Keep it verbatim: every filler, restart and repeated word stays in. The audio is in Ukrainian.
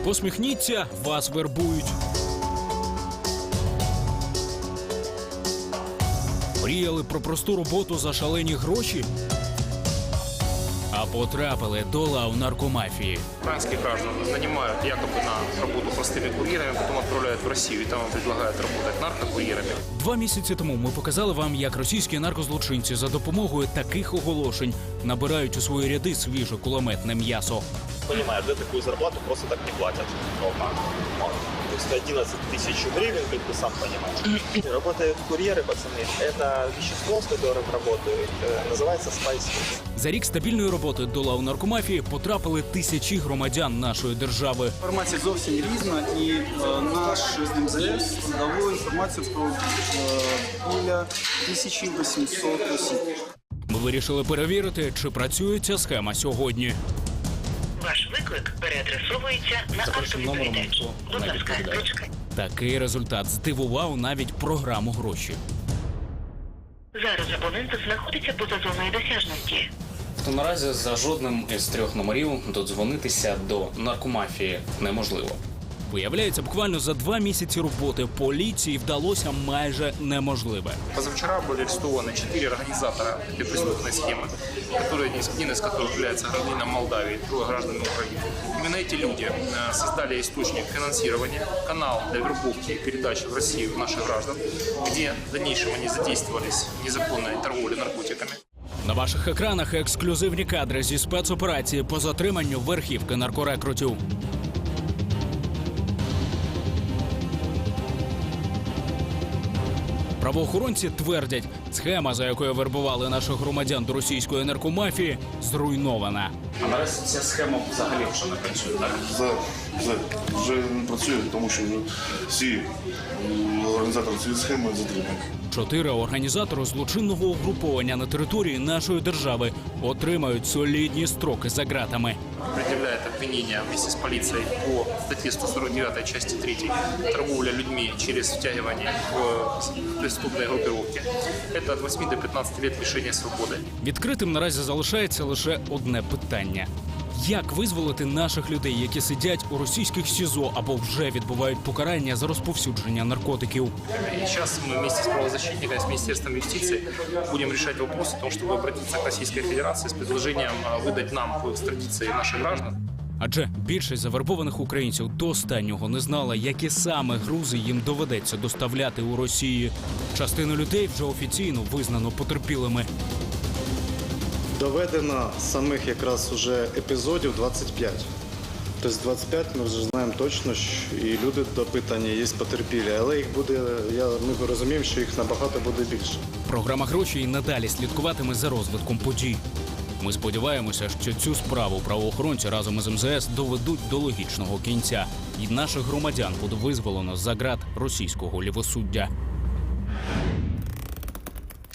Посміхніться, вас вербують. Мріяли про просту роботу за шалені гроші? А потрапили до лав наркомафії. Украинских граждан нанимают якобы на работу простыми курьерами, потом отправляют в Россию, и там им предлагают работать наркокурьерами. Два місяці тому ми показали вам, як російські наркозлочинці за допомогою таких оголошень набирають у свої ряди свіже кулеметне м'ясо. Понимаешь, да, такую зарплату просто так не платят. То есть одиннадцать тысяч гривен, как ты сам понимаешь. Работают курьеры, пацаны. Это вещество, с которым работают, называется Spice. За рік стабільної роботи до лав наркомафії потрапили тисячі громадян нашої держави. Інформація зовсім різна, і е, наш ем зет ес дало інформацію про е, біля тисячі вісімсот осіб. Ми вирішили перевірити, чи працює ця схема сьогодні. Ваш виклик переадресовується на автовідповідач. Будь ласка, ручка. Такий результат здивував навіть програму «Гроші». Зараз абонент знаходиться поза зоною досяжності. То наразі за жодним із трьох номерів додзвонитися до наркомафії неможливо. Виявляється, буквально за два місяці роботи поліції вдалося майже неможливе. Позавчера были арестованы четыре организатора этой преступной схемы, которые, один из которых является гражданином Молдавии, трое гражданами Украины. Именно эти люди э, создали источник финансирования, канал для вербовки и передачи в Россию наших граждан, где в дальнейшем они задействовались в незаконной торговле наркотиками. На ваших екранах ексклюзивні кадри зі спецоперації по затриманню верхівки наркорекрутів. Правоохоронці твердять, схема, за якою вербували наших громадян до російської наркомафії, зруйнована. А наразі ця схема взагалі вже не працює, так? За, за, вже не працює, тому що вже всі м, організатори цієї схеми затримані. Чотири організатори злочинного угруповання на території нашої держави отримають солідні строки за ґратами. Предъявляет обвинение вместе с полицией по статье сто сорок девятой части третьей «Торговля людьми через втягивание в преступные группировки». Это от восьми до пятнадцати лет лишения свободы. Відкритим наразі залишається лише одне питання. Як визволити наших людей, які сидять у російських СІЗО або вже відбувають покарання за розповсюдження наркотиків? И сейчас мы вместе с правозащитниками, с Министерством юстиции будем решать вопрос о том, чтобы обратиться к Российской Федерации с предложением выдать нам по экстрадиции наших граждан. Адже більшість завербованих українців до останнього не знала, які саме грузи їм доведеться доставляти у Росії. Частину людей вже офіційно визнано потерпілими. Доведено самих якраз уже епізодів двадцять п'ять. Тобто двадцять п'ять ми вже знаємо точно, що і люди допитані, є потерпілі, але їх буде, я, ми розуміємо, що їх набагато буде більше. Програма «Гроші» і надалі слідкуватиме за розвитком подій. Ми сподіваємося, що цю справу правоохоронці разом із ем зет ес доведуть до логічного кінця, і наших громадян буде визволено за ґрат російського лівосуддя.